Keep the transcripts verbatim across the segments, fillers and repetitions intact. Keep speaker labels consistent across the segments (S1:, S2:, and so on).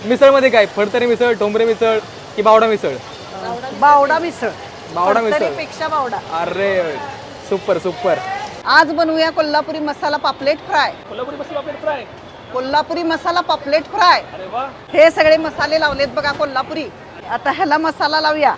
S1: मिसळमध्ये काय फडतरी मिसळ, ठोंबरे मिसळ की बावडा मिसळ?
S2: बावडा मिसळ.
S1: बावडा मिसळ
S2: पेक्षा बावडा.
S1: अरे सुपर सुपर.
S2: आज बनवूया कोल्हापुरी मसाला पापलेट फ्राय.
S1: कोल्हापुरी मसाला पापलेट फ्राय.
S2: कोल्हापुरी मसाला पापलेट फ्राय.
S1: अरे वा.
S2: हे सगळे मसाले लावलेत बघा कोल्हापुरी. आता ह्याला मसाला लावूया.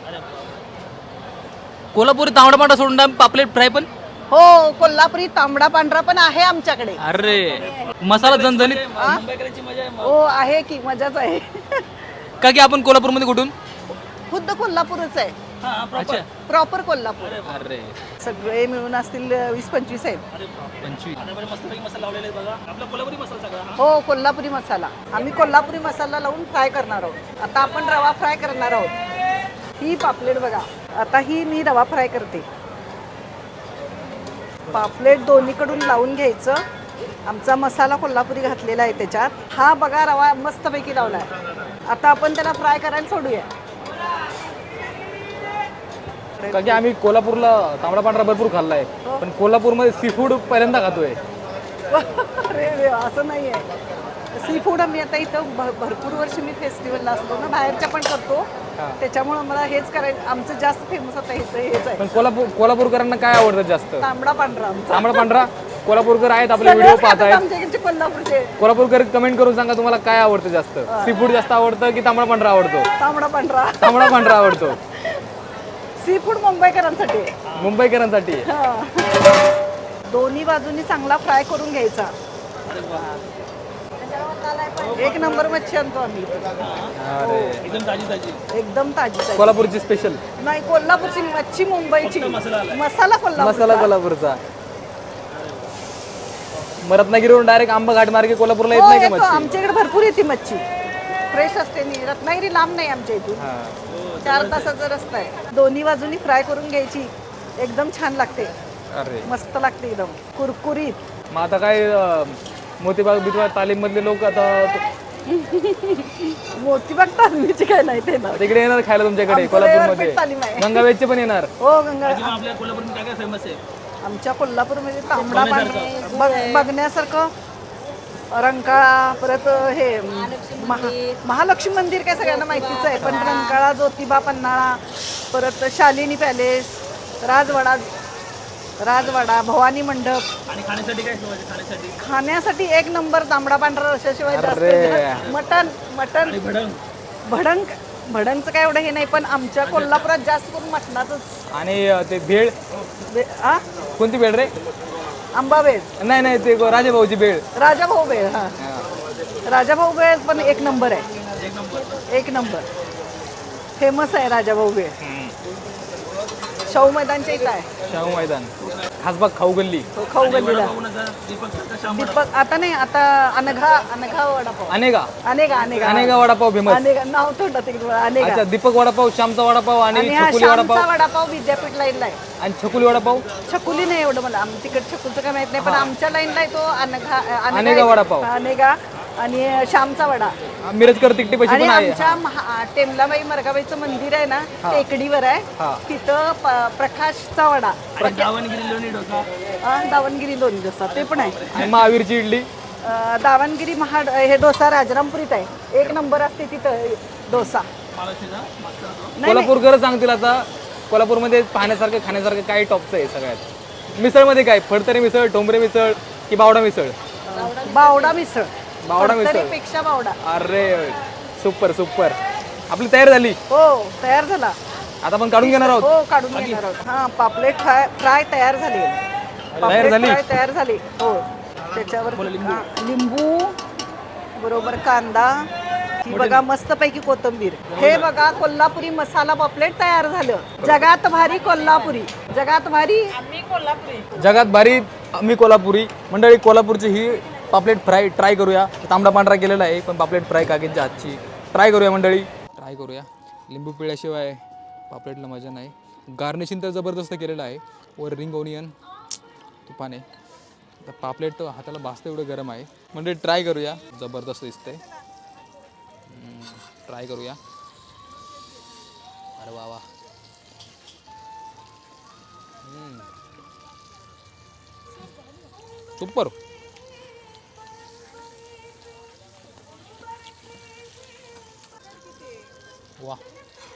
S3: कोल्हापुरी तांबडा पांढरा सोडून पापलेट फ्राय पण.
S2: हो, कोल्हापुरी तांबडा पांढरा पण आहे आमच्याकडे.
S3: अरे मसाला झणझणीत.
S2: हो आहे की मजाच आहे.
S3: का की आपण कोल्हापूरमध्ये कुठून?
S2: खुद्द कोल्हापूरच आहे.
S3: अच्छा.
S2: प्रॉपर कोल्हापूर.
S3: अरे
S2: सगळे मिळून असतील वीस पंचवीस आहेत.
S3: पंचवीस.
S2: हो, कोल्हापुरी मसाला. आम्ही कोल्हापुरी मसाला लावून फ्राय करणार आहोत. आता आपण रवा फ्राय करणार आहोत. ही पापलेट बघा. आता ही मी रवा फ्राय करते. पापलेट दोन्हीकडून लावून घ्यायचं. आमचा मसाला कोल्हापुरी घातलेला आहे त्याच्यात. हा बघा रवा मस्तपैकी लावलाय. आता आपण त्याला फ्राय करायला सोडूया.
S1: का की आम्ही कोल्हापूरला तांबडा पांढरा भरपूर खाल्लाय, पण कोल्हापूरमध्ये सी फूड पहिल्यांदा खातोय.
S2: अरे रे, असं नाही आहे. सी फूड आम्ही आता इथं भ- भरपूर वर्ष मी फेस्टिवलला असतो ना, बाहेरच्या पण करतो. त्याच्यामुळे मला हेच करायचं. आमचं जास्त फेमस आता हेच हेच आहे.
S1: पण कोल्हापूर कोल्हापूरकरांना काय आवडतं जास्त?
S2: तांबडा पांढरा आमचा.
S1: तांबडा पांढरा. कोल्हापूरकर आहेत आपले व्हिडिओ
S2: सगळेच
S1: पाहत
S2: खातात
S1: आहेत.
S2: आमच्या इकडचे कोल्हापूरचे.
S1: कोल्हापूरकर कमेंट करून सांगा तुम्हाला काय आवडतं जास्त? सी फूड जास्त आवडतं की तांबडा पांढरा आवडतो?
S2: तांबडा पांढरा.
S1: तांबडा पांढरा आवडतो.
S2: सी फूड मुंबईकरांसाठी.
S1: मुंबईकरांसाठी.
S2: दोन्ही बाजूनी चांगला फ्राय करून घ्यायचा. एक नंबर मच्छी आणतो आम्ही.
S1: अरे
S3: एकदम ताजी ताजी.
S2: एकदम ताजी ताजी.
S1: कोल्हापूरची स्पेशल.
S2: नाही, कोल्हापूरची मच्छी मुंबईची. मसाला कोल्हापूर.
S1: मसाला कोल्हापूरचा. मग रत्नागिरीवरून डायरेक्ट आंबा घाट मार्गे कोल्हापूरला येत नाही का मच्छी?
S2: आमच्याकडे भरपूर येते मच्छी. फ्रेश असते. नी रत्नागिरी लांब नाही आमच्या इथून. चार तासाचा रस्ता आहे. दोन्ही बाजूनी फ्राय करून घ्यायची. एकदम छान लागते.
S1: अरे
S2: मस्त लागते एकदम कुरकुरीत.
S1: मग आता काय अं, मोतीबाग बितबाग तालीम मधले लोक आता
S2: मोतीबाग तालमीची काय नाही ते ना.
S1: तिकडे येणार खायला तुमच्याकडे
S2: आमचं
S1: कोल्हापूरमध्ये?
S2: रविवारपेठ तालीम आहे.
S1: गंगावेदचे पण येणार.
S2: हो, गंगा.
S3: आपल्या कोल्हापूरमध्ये काय काय फेमस आहे?
S2: आमच्या कोल्हापूरमध्ये तांबडा पांढरा बघ- बघण्यासारखं रंकाळा, परत हे महा महालक्ष्मी मंदिर काय सगळ्यांना माहितीच आहे. पण रंकाळा, ज्योतिबा, पन्हाळा, परत शालिनी पॅलेस, राजवाडा राजवाडा भवानी मंडप.
S3: आणि खाण्यासाठी काय ठेवायचं? खाण्यासाठी
S2: खाण्यासाठी एक नंबर तांबडा पांढरा रशाशिवाय जास्त
S1: अरे.
S2: मटण मटण
S3: भडंग.
S2: भडंग. भडंगचं काय एवढं हे नाही, पण आमच्या कोल्हापुरात जास्त करून मटणाचंच.
S1: आणि अं, ते भेळ.
S2: बे- आ
S1: कोणती भेळ रे?
S2: आंबाबेळ.
S1: नाही नाही ते राजेभाऊची भेळ.
S2: राजाभाऊ बेळ. हा, राजाभाऊ बेळ पण एक नंबर आहे. एक नंबर फेमस आहे राजाभाऊ बेळ. शाहू मैदानच्या इथं आहे.
S1: शाहू मैदान. खासबाग खाऊ गल्ली.
S2: तो खाऊ गल्लीला.
S3: दीपक शाम.
S2: दीपक आता नाही, आता अनघा अनघा वडापाव.
S1: अनेका
S2: अनेका अनेका
S1: अनेका वडापाव फेमस.
S2: अनेका नाव तोंडात येईल तुम्हाला. अनेका.
S1: अच्छा, दीपक वडापाव, श्यामचा वडापाव आणि
S2: आणि हा
S1: छकुली
S2: श्यामचा
S1: वडापाव
S2: वडापाव विद्यापीठ लाईनला आहे.
S1: आणि छकुली वडापाव.
S2: छकुली नाही एवढं मला, आम- तिकड छकुलचं काय माहित नाही, पण आमच्या लाईनला आहे तो अनघा अनघा
S1: अनेका
S2: आहे.
S1: वडापाव.
S2: अनेका आणि श्यामचा वडा.
S1: मिरजकर तिकटी पैसे
S2: आणि
S1: पण आहे.
S2: आमच्या महा- टेमलाबाई मरगाबाईचं मंदिर आहे ना, टेकडीवर आहे.
S1: हा.
S2: तिथं प- प्रकाशचा वडा.
S3: दावणगिरी लोणी डोसा.
S2: अं, दावणगिरी लोणी डोसा ते पण आहे.
S1: आणि महावीरची इडली.
S2: अं, दावणगिरी महा हे डोसा राजरामपुरीत आहे. एक नंबर असते तिथं डोसा.
S3: महालक्ष्मीचा मस्त होतो.
S2: नाही, नाही.
S1: कोल्हापूरकर सांगतील आता कोल्हापूरमध्ये पाहण्यासारखं खाण्यासारखं काय टॉपचं आहे सगळ्यात? मिसळमध्ये काय फडतरी मिसळ, ठोंबरे मिसळ की बावडा मिसळ?
S2: बावडा मिसळ.
S1: बावडा मिसळ.
S2: पेक्षा बावडा.
S1: अरे सुपर सुपर. आपली तयार झाली.
S2: हो, तयार झाला.
S1: आता आपण काढून घेणार आहोत.
S2: हो, काढून घेणार आहोत. हा, पापलेट फ्राय फ्राय तयार झाली. पापलेट
S1: झाली?
S2: फ्राय तयार झाली. हो, त्याच्यावर हा, लिंबू बरोबर कांदा. ही बघा मस्तपैकी कोथिंबीर. हे बघा कोल्हापुरी मसाला पापलेट तयार झालं. जगात भारी कोल्हापुरी. जगात भारी
S1: जगात भारी आम्ही कोल्हापुरी. मंडळी कोल्हापूरची ही पापलेट फ्राय ट्राय करूया. तांबडा पांढरा केलेला आहे, पण पापलेट फ्राय काकींच्या हातची ट्राय करूया मंडळी. ट्राय करूया. लिंबू पिळ्याशिवाय पापलेटला मजा नाही. गार्निशिंग तर जबरदस्त केलेलं आहे. वर रिंग ओनियन तुपाने. आता पापलेट तर हाताला भाजतं एवढं गरम आहे. मंडळी ट्राय करूया. जबरदस्त दिसतंय. ट्राय करूया. अरे वा वा. सुपर. वा